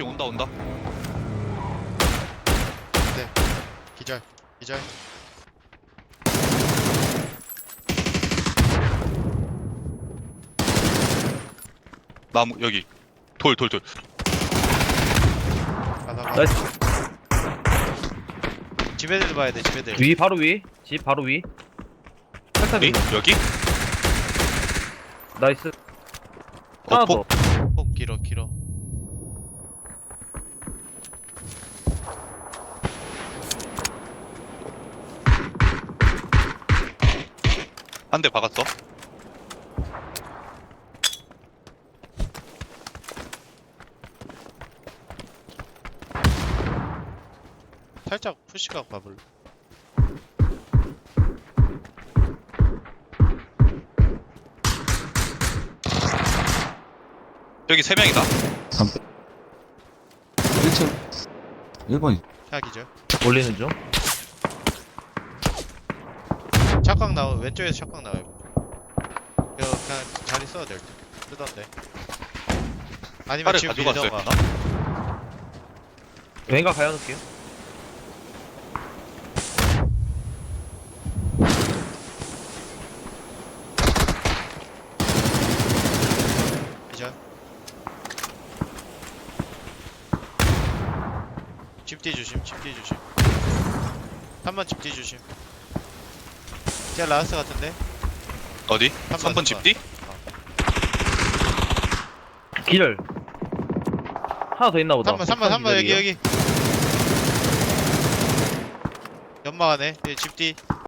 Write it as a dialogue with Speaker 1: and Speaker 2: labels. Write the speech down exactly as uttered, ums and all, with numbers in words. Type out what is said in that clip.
Speaker 1: 브리핑 온다 온다.
Speaker 2: 기절 기절.
Speaker 1: 나무 여기 돌 돌 돌.
Speaker 2: 가다 가.
Speaker 3: 나이스.
Speaker 2: 집 애들 봐야 돼. 집 애들.
Speaker 3: 위 바로 위. 집 바로 위. 살짝
Speaker 1: 여기?
Speaker 3: 위.
Speaker 1: 여기?
Speaker 3: 나이스.
Speaker 1: 어,
Speaker 3: 하나
Speaker 1: 폭.
Speaker 3: 더.
Speaker 2: 폭 길어 길어.
Speaker 1: 한 대 박았어.
Speaker 2: 살짝 푸시각 봐볼래.
Speaker 1: 여기 세 명이다.
Speaker 4: 일 층 일 번이
Speaker 2: 차 기절.
Speaker 3: 올리는 중.
Speaker 2: 착각 나오. 왼쪽에서 착각 나와요. 이거 그냥 자리 써도 될 듯. 쓰던데. 아니면
Speaker 1: 팔을
Speaker 2: 지금
Speaker 1: 가져갔어요.
Speaker 2: 밀던가.
Speaker 3: 왼각 가야 놓을게요.
Speaker 2: 기절. 집뒤 조심. 집뒤 조심. 삼 번 집뒤 조심. 제가 라스트 같은데?
Speaker 1: 어디?
Speaker 2: 번,
Speaker 1: 삼 번
Speaker 2: 삼 번.
Speaker 1: 집뒤?
Speaker 3: 기절. 하나 더 있나 보다.
Speaker 2: 삼 번 삼 번 삼 번 여기
Speaker 3: 기절이에요.
Speaker 2: 여기. 연막 안에. 예, 집뒤.